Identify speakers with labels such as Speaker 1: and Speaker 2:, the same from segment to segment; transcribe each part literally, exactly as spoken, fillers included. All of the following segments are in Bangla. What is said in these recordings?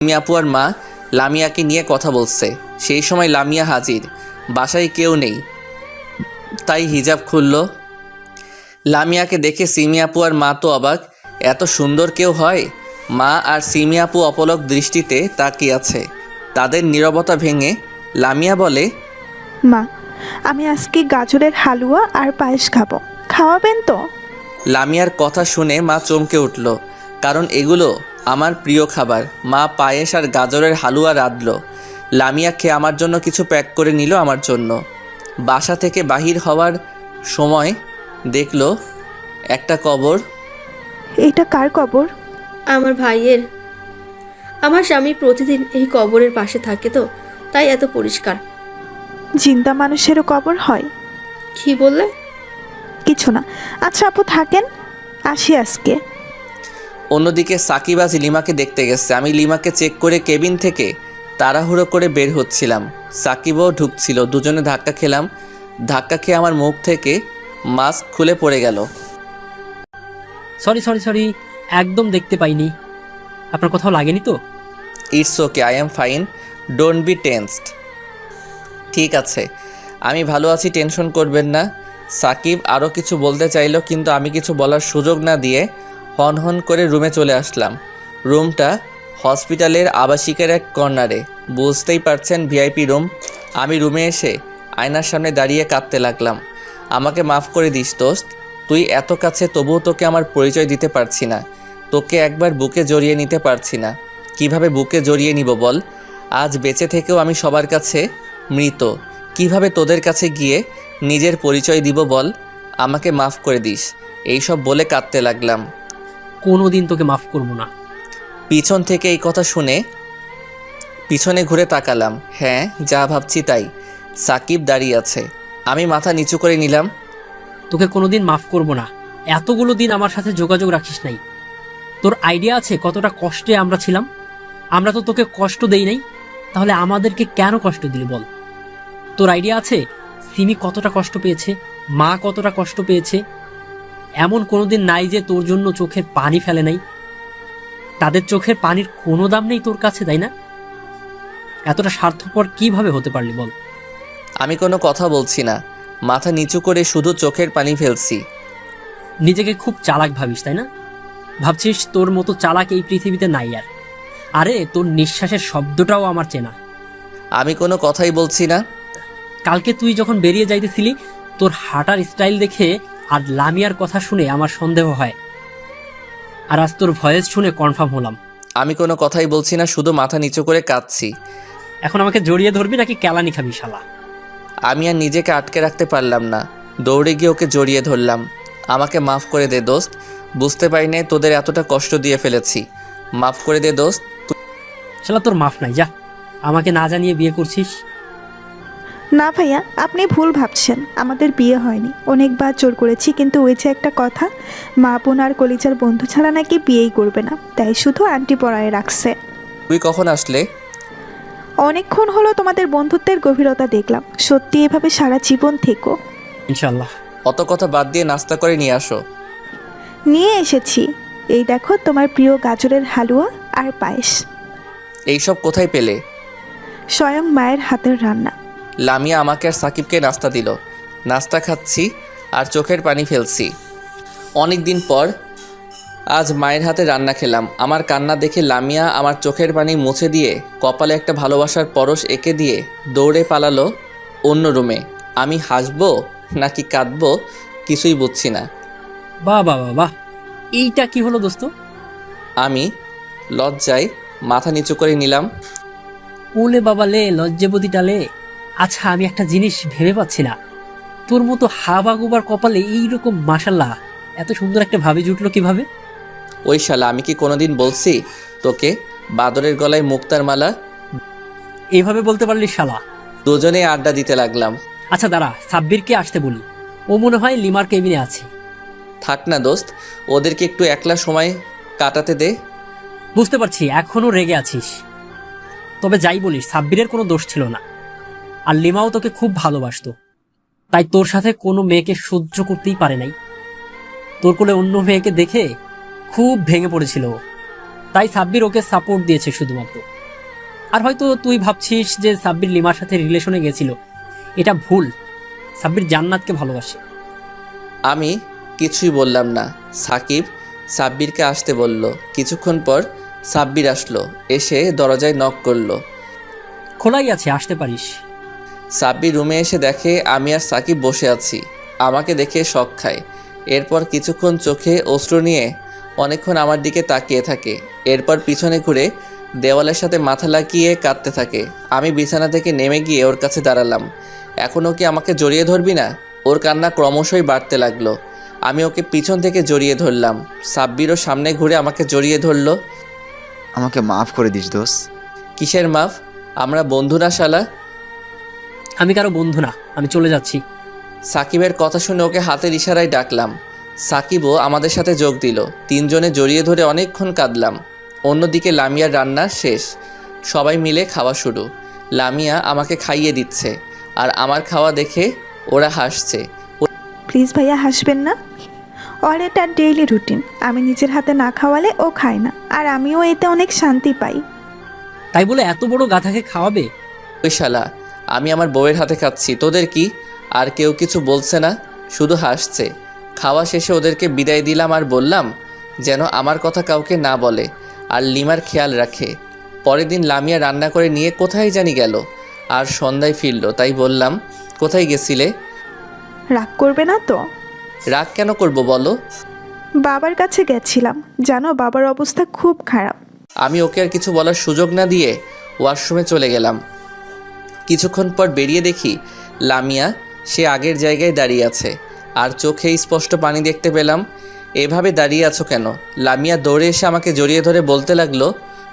Speaker 1: সিমি আপু আর মা লামিয়াকে নিয়ে কথা বলছে। সেই সময় লামিয়া হাজির। বাসায় কেউ নেই, তাই হিজাব খুলল। লামিয়াকে দেখে সিমি আপু আর মা তো অবাক, এত সুন্দর কেউ হয়? মা আর সিমি আপু অপলক দৃষ্টিতে তাকিয়ে আছে। তাদের নীরবতা ভেঙে লামিয়া বলে,
Speaker 2: মা, আমি আজকে গাজরের হালুয়া আর পায়েস খাবো, খাওয়াবেন তো?
Speaker 1: লামিয়ার কথা শুনে মা চমকে উঠল, কারণ এগুলো আমার প্রিয় খাবার। মা পায়েস আর গাজরের হালুয়া রাঁধল। লামিয়া খেয়ে আমার জন্য কিছু প্যাক করে নিল আমার জন্য। বাসা থেকে বাহির হওয়ার সময় দেখলো একটা কবর।
Speaker 2: এটা কার কবর?
Speaker 3: আমার ভাইয়ের। আমার স্বামী প্রতিদিন এই কবরের পাশে থাকে, তো তাই এত পরিষ্কার।
Speaker 2: জিন্দা মানুষেরও কবর হয়?
Speaker 3: কি বললে?
Speaker 2: কিছু না। আচ্ছা আপু থাকেন, আসি আজকে।
Speaker 1: অন্যদিকে সাকিব আজ লিমাকে দেখতে গেছে। আমি লিমাকে চেক করে কেবিন থেকে তাড়াহুড়ো করে বের হচ্ছিলাম। সাকিবও ঢুকছিল। দুজনে ধাক্কা খেলাম। ধাক্কা খেয়ে আমার মুখ থেকে মাস্ক খুলে পড়ে গেল।
Speaker 4: সরি সরি সরি একদম দেখতে পাইনি। আপনার কোথাও লাগেনি তো?
Speaker 1: It's okay, I am fine, don't be tensed. ঠিক আছে, আমি ভালো আছি, টেনশন করবেন না। সাকিব আরও কিছু বলতে চাইল, কিন্তু আমি কিছু বলার সুযোগ না দিয়ে হন হন করে রুমে চলে আসলাম। রুমটা হসপিটালের আবাসিকের এক কর্নারে, বুঝতেই পারছেন ভিআইপি রুম। আমি রুমে এসে আয়নার সামনে দাঁড়িয়ে কাঁদতে লাগলাম। আমাকে মাফ করে দিস দোস্ত, তুই এত কাছে তবুও তোকে আমার পরিচয় দিতে পারছি না। তোকে একবার বুকে জড়িয়ে নিতে পারছি না। কিভাবে বুকে জড়িয়ে নিব বল? আজ বেঁচে থেকেও আমি সবার কাছে মৃত। কিভাবে তোদের কাছে গিয়ে নিজের পরিচয় দিব বল? আমাকে মাফ করে দিস। এইসব বলে কাঁদতে লাগলাম।
Speaker 4: কোনো দিন তোকে মাফ করবো না।
Speaker 1: পিছন থেকে এই কথা শুনে পিছনে ঘুরে তাকালাম। হ্যাঁ, যা ভাবছি তাই। সাকিব দাঁড়িয়ে আছে। আমি মাথা নিচু করে নিলাম।
Speaker 4: তোকে কোনোদিন মাফ করবো না। এতগুলো দিন আমার সাথে যোগাযোগ রাখিস নাই। তোর আইডিয়া আছে কতটা কষ্টে আমরা ছিলাম? আমরা তো তোকে কষ্ট দেই নাই, তাহলে আমাদেরকে কেন কষ্ট দিলি বল? তোর আইডিয়া আছে সিমি কতটা কষ্ট পেয়েছে, মা কতটা কষ্ট পেয়েছে? এমন কোনোদিন নাই যে তোর জন্য চোখের পানি ফেলে নাই। তাদের চোখের পানির কোনো দাম নেই তোর কাছে, তাই না? এতটা স্বার্থপর কিভাবে হতে পারলি বল?
Speaker 1: আমি কোনো কথা বলছি না, মাথা নিচু করে শুধু চোখের পানি ফেলছি।
Speaker 4: নিজেকে খুব চালাক ভাবিস, তাই না? ভাবছিস তোর মতো চালাক এই পৃথিবীতে নাই আর। আরে তোর নিঃশ্বাসের শব্দটাও আমার চেনা।
Speaker 1: আমি কোনো কথাই বলছি না।
Speaker 4: কালকে তুই যখন বেরিয়ে যাইতেছিলি, তোর হাঁটার স্টাইল দেখে আর লামিয়ার কথা শুনে আমার সন্দেহ হয়, আর আজ তোর ভয়েস শুনে কনফার্ম হলাম।
Speaker 1: আমি কোনো কথাই বলছি না, শুধু মাথা নিচু করে কাঁদছি।
Speaker 4: এখন আমাকে জড়িয়ে ধরবি নাকি কেলানি খাবি শালা?
Speaker 1: আমি আর নিজেকে আটকে রাখতে পারলাম না, দৌড়ে গিয়ে ওকে জড়িয়ে ধরলাম। আমাকে মাফ করে দে দোস্ত, বুঝতে পারিনি তোদের এতটা কষ্ট দিয়ে ফেলেছি। মাফ করে দে দোস্ত।
Speaker 4: শালা তোর মাফ নাই, যা। আমাকে না জানিয়ে বিয়ে করছিস?
Speaker 2: না ভাইয়া, আপনি ভুল ভাবছেন। আমাদের বিয়ে হয়নি, অনেকবার জোর করেছি, কিন্তু ওই যে একটা কথা, মা বোন আর কলিজার বন্ধু ছাড়া নাকি বিয়েই করবে না, তাই শুধু আন্টি পড়ায় রাখছে।
Speaker 1: তুই কখন আসলে?
Speaker 2: অনেকক্ষণ হলো, তোমাদের বন্ধুত্বের গভীরতা দেখলাম। সত্যি এভাবে সারা জীবন থেকো।
Speaker 4: ইনশাল্লাহ।
Speaker 1: অত কথা বাদ দিয়ে নাস্তা করে নিয়ে আসো।
Speaker 2: নিয়ে এসেছি, এই দেখো তোমার প্রিয় গাজরের হালুয়া আর পায়েস।
Speaker 1: এইসব কোথায় পেলে?
Speaker 2: স্বয়ং মায়ের হাতের রান্না।
Speaker 1: লামিয়া আমাকে আর সাকিবকে নাস্তা দিল। নাস্তা খাচ্ছি আর চোখের পানি ফেলছি। অনেক দিন পর আজ মায়ের হাতে রান্না খেলাম। আমার কান্না দেখে লামিয়া আমার চোখের পানি মুছে দিয়ে কপালে একটা ভালোবাসার পরশ এঁকে দিয়ে দৌড়ে পালালো অন্য রুমে। আমি হাসবো নাকি কাঁদবো কিছুই বুঝছি না।
Speaker 4: বাহ বাহ বাহ বাহ, এইটা কি হলো দোস্ত?
Speaker 1: আমি লজ্জায় মাথা নিচু করে নিলাম।
Speaker 4: ওলে বাবা লে, লজ্জাবতী টালে। আচ্ছা, আমি একটা জিনিস ভেবে পাচ্ছি না, তোর মতো হাবা গোবার কপালে এইরকম মাশাল্লাহ এত সুন্দর একটা ভাবি জুটলো কিভাবে?
Speaker 1: ওই শালা, আমি কি কোনোদিন বলছি তোকে বাদরের গলায় মুক্তার মালা?
Speaker 4: এইভাবে বলতে পারলি শালা?
Speaker 1: দুজনে আড্ডা দিতে লাগলাম।
Speaker 4: আচ্ছা দাঁড়া, সাব্বিরকে আসতে বলি, ও মনে হয় লিমার কেবিনে আছে।
Speaker 1: থাক না দোস্ত, ওদেরকে একটু একলা সময় কাটাতে দে।
Speaker 4: বুঝতে পারছি এখনো রেগে আছিস, তবে যাই বলিস সাব্বিরের কোনো দোষ ছিল না। আর লিমাও তোকে খুব ভালোবাসতো, তাই তোর সাথে কোনো মেয়েকে সহ্য করতেই পারে নাই। তোর কোলে অন্য মেয়েকে দেখে খুব ভেঙে পড়েছিল, তাই সাব্বির ওকে সাপোর্ট দিয়েছে শুধুমাত্র। আর হয়তো তুই ভাবছিস যে সাব্বির লিমার সাথে রিলেশনে গেছিল, এটা ভুল। সাব্বির জান্নাতকে ভালোবাসে।
Speaker 1: আমি কিছুই বললাম না। সাকিব সাব্বিরকে আসতে বলল। কিছুক্ষণ পর সাব্বির আসলো, এসে দরজায় নক করলো।
Speaker 4: খোলাই আছে, আসতে পারিস।
Speaker 1: সাব্বির রুমে এসে দেখে আমি আর সাকিব বসে আছি। আমাকে দেখে শক খায়। এরপর কিছুক্ষণ চোখে অশ্রু নিয়ে অনেকক্ষণ আমার দিকে তাকিয়ে থাকে। এরপর পিছনে ঘুরে দেওয়ালের সাথে মাথা লাগিয়ে কাঁদতে থাকে। আমি বিছানা থেকে নেমে গিয়ে ওর কাছে দাঁড়ালাম। এখনও কি আমাকে জড়িয়ে ধরবি না? ওর কান্না ক্রমশই বাড়তে লাগলো। আমি ওকে পিছন থেকে জড়িয়ে ধরলাম। সাব্বিরও সামনে ঘুরে আমাকে জড়িয়ে ধরলো।
Speaker 5: আমাকে মাফ করে দিস দোস্ত।
Speaker 1: কিসের মাফ? আমরা বন্ধু না শালা?
Speaker 4: আমি কারো বন্ধু না, আমি চলে যাচ্ছি।
Speaker 1: সাকিবের কথা শুনে ওকে হাতের ইশারায় ডাকলাম। সাকিবও আমাদের সাথে যোগ দিল। তিনজনে জড়িয়ে ধরে অনেকক্ষণ কাঁদলাম। অন্যদিকে লামিয়ার রান্না শেষ, সবাই মিলে খাওয়া শুরু। লামিয়া আমাকে খাইয়ে দিচ্ছে, আর আমার খাওয়া দেখে ওরা হাসছে।
Speaker 2: প্লিজ ভাইয়া হাসবেন না। ওর এটা ডেইলি রুটিন। আমি নিজের হাতে না খাওয়ালে ও খায় না, আর আমিও এতে অনেক শান্তি পাই।
Speaker 4: তাই বলে এত বড় গাধাকে খাওয়াবে?
Speaker 1: ওই শালা, আমি আমার বউয়ের হাতে খাচ্ছি, তোদের কি? আর কেউ কিছু বলছে না, শুধু হাসছে। খাওয়া শেষে ওদেরকে বিদায় দিলাম আর বললাম যেন আমার কথা কাউকে না বলে আর লিমার খেয়াল রাখে। পরের দিন লামিয়া রান্না করে নিয়ে কোথায় জানি গেল, আর সন্ধ্যায় ফিরল। তাই বললাম, কোথায় গেছিলে?
Speaker 2: রাগ করবে না তো?
Speaker 1: রাগ কেন করব বলো?
Speaker 2: বাবার কাছে গেছিলাম, জানো বাবার অবস্থা খুব খারাপ।
Speaker 1: আমি ওকে আর কিছু বলার সুযোগ না দিয়ে ওয়াশরুমে চলে গেলাম। কিছুক্ষণ পর বেরিয়ে দেখি লামিয়া সে আগের জায়গায় দাঁড়িয়ে আছে, আর চোখে স্পষ্ট পানি দেখতে পেলাম। এভাবে দাঁড়িয়ে আছো কেন? লামিয়া দৌড়ে এসে আমাকে জড়িয়ে ধরে বলতে লাগলো,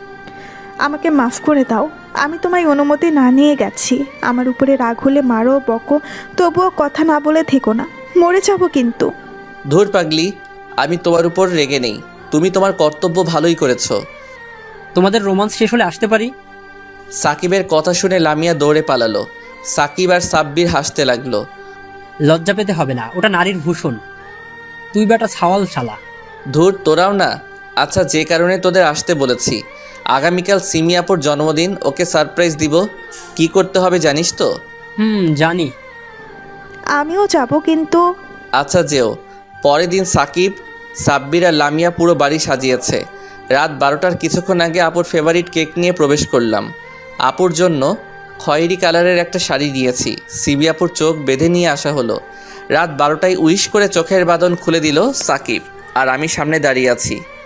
Speaker 2: আমাকে মাফ করে দাও। আমি তোমায় অনুমতি না নিয়ে গেছি। আমার উপরে রাগ হলে মারো, বকো, তবুও কথা না বলে থেকো না। মরে যাবো কিন্তু।
Speaker 1: ধুর পাগলি, আমি তোমার উপর রেগে নেই। তুমি তোমার কর্তব্য ভালোই করেছো।
Speaker 4: তোমাদের রোমান্স শেষ হলে আসতে পারি?
Speaker 1: সাকিবের কথা শুনে লামিয়া দৌড়ে পালালো। সাকিব আর সাব্বির হাসতে লাগলো।
Speaker 4: লজ্জা পেতে হবে না, ওটা নারীর ভূষণ। তুই বেটা ছাওয়াল শালা।
Speaker 1: ধুর, তোরাও না। আচ্ছা, যে কারণে তোদের আসতে বলেছি, আগামীকাল সিমিয়াপুর জন্মদিন, ওকে সারপ্রাইজ দিব। কি করতে হবে জানিস তো?
Speaker 4: হুম, জানি।
Speaker 2: আমিও যাব কিন্তু।
Speaker 1: আচ্ছা যেও। পরের দিন সাকিব, সাব্বির আর লামিয়া পুরো বাড়ি সাজিয়েছে। রাত বারোটার কিছুক্ষণ আগে আপুর ফেভারিট কেক নিয়ে প্রবেশ করলাম। আপুর জন্য খয়েরি কালারের একটা শাড়ি দিয়েছি। সিবি আপুর চোখ বেঁধে নিয়ে আসা হলো। রাত বারোটায় উইশ করে চোখের বাঁধন খুলে দিল সাকিব, আর আমি সামনে দাঁড়িয়ে আছি।